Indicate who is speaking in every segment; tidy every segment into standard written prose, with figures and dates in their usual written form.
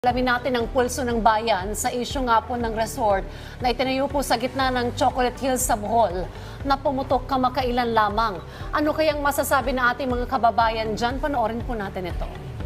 Speaker 1: Alamin natin ang pulso ng bayan sa isyu nga po ng resort na itinayo po sa gitna ng Chocolate Hills sa Bohol na pumutok kamakailan lamang. Ano kayang masasabi na ating mga kababayan dyan? Panoorin po natin ito.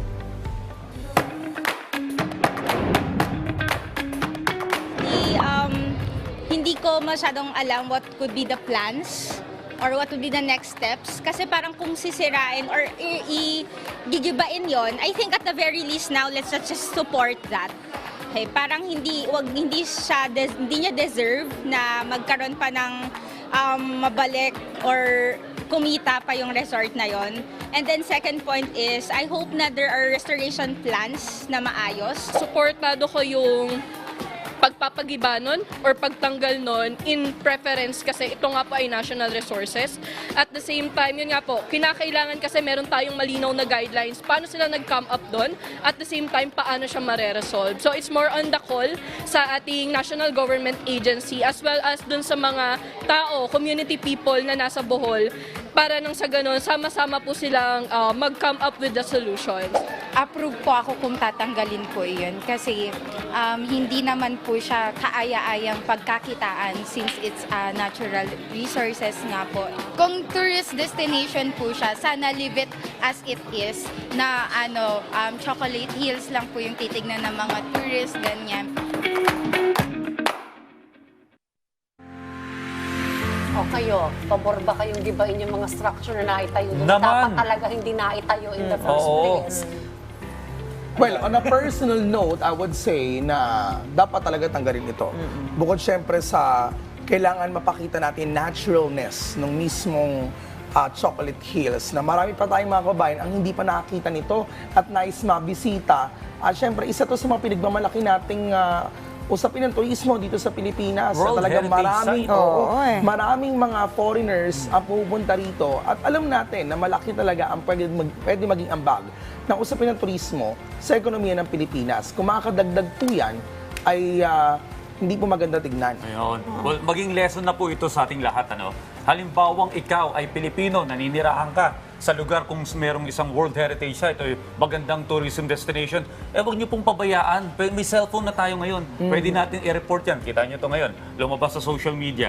Speaker 2: Hindi ko masyadong alam what could be the plans or what would be the next steps. Kasi parang kung sisirain or gigibain yon, I think at the very least now, let's just support that. Okay, parang hindi niya deserve na magkaroon pa ng mabalik or kumita pa yung resort na yon. And then second point is, I hope na there are restoration plans na maayos.
Speaker 3: Supportado ko yung pagpapagiba nun or pagtanggal nun in preference kasi ito nga po ay national resources. At the same time, yun nga po, kinakailangan kasi meron tayong malinaw na guidelines paano sila nag-come up doon, at the same time, paano siya mare-resolve. So it's more on the call sa ating national government agency as well as dun sa mga tao, community people na nasa Bohol, para nang sa ganun, sama-sama po silang mag-come up with the solutions.
Speaker 4: Approve po ako kung tatanggalin po iyon kasi hindi naman po siya kaaya-ayang pagkakitaan since it's natural resources nga po. Kung tourist destination po siya, sana leave it as it is na Chocolate Hills lang po yung titignan ng mga tourists, ganyan.
Speaker 1: O kayo, pabor ba kayong gibain yung mga structure na naitayo doon?
Speaker 5: Naman.
Speaker 1: Dapat talaga hindi naitayo in the first place.
Speaker 6: Well, on a personal note, I would say na dapat talaga tanggalin ito. Bukod syempre sa kailangan mapakita natin naturalness ng mismong Chocolate Hills na marami pa tayong mga kabayan ang hindi pa nakakita nito at nais mabisita. At syempre, isa to sa mga pinagmamalaki nating usapin ng turismo dito sa Pilipinas.
Speaker 5: World
Speaker 6: Talagang
Speaker 5: Heritage Site.
Speaker 6: maraming mga foreigners ang pupunta rito at alam natin na malaki talaga ang pwede maging ambag ng usapin ng turismo sa ekonomiya ng Pilipinas. Kung makakadagdag po yan, ay hindi po maganda tignan.
Speaker 5: Ayun. Well, maging lesson na po ito sa ating lahat. Halimbawang ikaw ay Pilipino, naninirahan ka sa lugar kung merong isang World Heritage Site o magandang tourism destination, huwag niyo pong pabayaan. May cellphone na tayo ngayon. Pwede natin i-report yan. Kita niyo ito ngayon. Lumabas sa social media.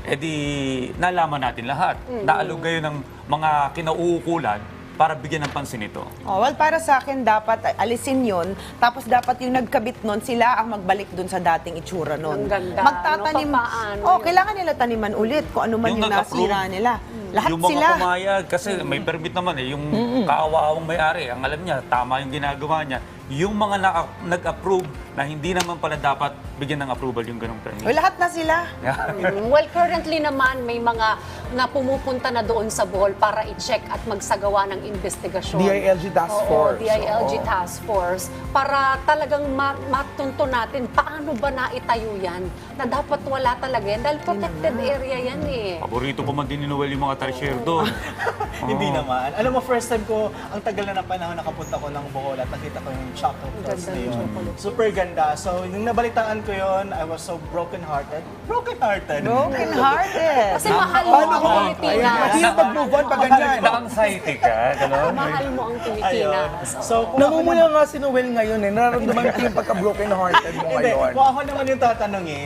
Speaker 5: Nalaman natin lahat. Naalog kayo ng mga kinauukulan para bigyan ng pansin ito.
Speaker 7: Oh, well, para sa akin, dapat alisin yun. Tapos dapat yung nagkabit nun, sila ang magbalik dun sa dating itsura nun.
Speaker 1: Ang ganda.
Speaker 7: Magtatanim.
Speaker 1: Paano?
Speaker 7: Kailangan nila taniman ulit kung ano man yung
Speaker 5: nag-approve,
Speaker 7: nasira nila. Lahat
Speaker 5: yung mga
Speaker 7: sila.
Speaker 5: pumayag, kasi may permit naman yung kaawa-awang may-ari, ang alam niya, tama yung ginagawa niya. Yung mga nag-approve na hindi naman pala dapat bigyan ng approval yung ganong permit.
Speaker 7: Lahat na sila.
Speaker 1: Well, currently naman may mga na pumupunta na doon sa Bohol para i-check at magsagawa ng investigasyon.
Speaker 6: DILG Task Force.
Speaker 1: DILG Task Force. Para talagang matunto natin paano ba naitayo yan na dapat wala talaga yan dahil protected area yan eh.
Speaker 5: Paborito ko man din ni Noel yung mga tarsier doon.
Speaker 8: Hindi naman. Alam mo, first time ko, ang tagal na panahon nakapunta ko ng Bohol at nakita ko yung Chocolate Hills
Speaker 1: Ganda
Speaker 8: na
Speaker 1: ng
Speaker 8: yun.
Speaker 1: Chocolate.
Speaker 8: Super ganda. So, nung nabalitaan ko yun, I was so broken-hearted. Broken-hearted?
Speaker 7: Broken-hearted.
Speaker 1: Kasi mahal mo ang Pilipinas.
Speaker 6: Hindi na mag-move on pag ganyan.
Speaker 5: Na-anxiety ka, gano'n?
Speaker 1: Mahal mo ang Pilipinas.
Speaker 8: So, kung
Speaker 6: Namumula nga si Noel ngayon nararamdaman ko yung pagka-broken hearted mo
Speaker 8: Hindi,
Speaker 6: ngayon.
Speaker 8: kung ako naman yung tatanungin,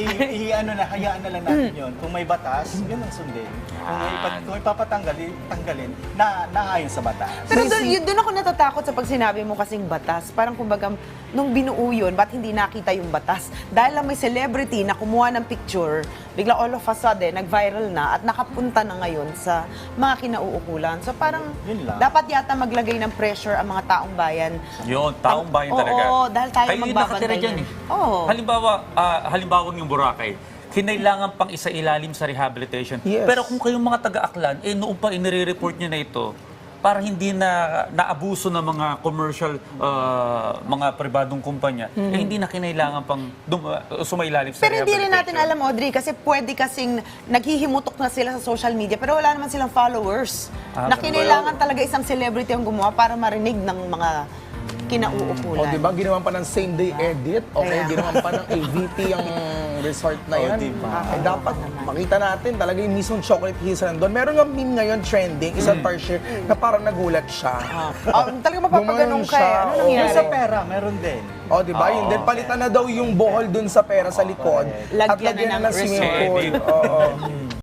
Speaker 8: hayaan na lang natin yun. Kung may batas, yun ang sundin. Kung ipapatanggal, tanggalin, naayon sa batas.
Speaker 7: Pero doon ako natatakot sa pag sinabi mo kasing batas. Parang kumbaga, nung binuo yun, ba't hindi nakita yung batas? Dahil lang may celebrity na kumuha ng picture, bigla all of a sudden, nag-viral na at nakapunta na ngayon sa mga kinauukulan. So parang
Speaker 8: Yun lang.
Speaker 7: dapat yata maglagay ng pressure ang mga taong bayan.
Speaker 5: Yun, taong bayan talaga.
Speaker 7: Oo, dahil tayo
Speaker 5: Kayo yung
Speaker 7: magbabantay
Speaker 5: nakatira dyan
Speaker 7: nun. Oo.
Speaker 5: Halimbawa yung Boracay, kinailangan pang isa ilalim sa rehabilitation.
Speaker 6: Yes.
Speaker 5: Pero kung kayong mga taga-Aklan, noong pa inire-report nyo na ito, para hindi na naabuso ng mga commercial, mga pribadong kumpanya, hindi na kinailangan pang sumailalim sa
Speaker 7: Pero hindi rin natin
Speaker 5: rehabilitation.
Speaker 7: alam, Audrey, kasi pwede kasing naghihimutok na sila sa social media, pero wala naman silang followers. Na kinailangan talaga isang celebrity ang gumawa para marinig ng mga kinauukulan.
Speaker 6: O, di ba? Ginawan pa ng same-day edit. Okay, ginawan pa ng AVP ang resort na yan.
Speaker 8: diba?
Speaker 6: Eh, dapat makita natin talaga yung mismong Chocolate Hills na nandun. Meron nga meme ngayon trending, isang Tarsier, na parang nagulat siya.
Speaker 7: Talaga mapapaganong
Speaker 6: Gumanon
Speaker 7: ka eh.
Speaker 6: siya,
Speaker 7: Ano
Speaker 6: oo.
Speaker 7: nangyari?
Speaker 8: Yung sa pera, meron din.
Speaker 6: O, di ba? Yun din, palitan na daw yung bohol dun sa pera sa likod.
Speaker 7: Lagyan
Speaker 6: at lagyan
Speaker 7: na
Speaker 6: na
Speaker 7: ng
Speaker 6: ng swimming
Speaker 5: resort.
Speaker 6: pool. Oo.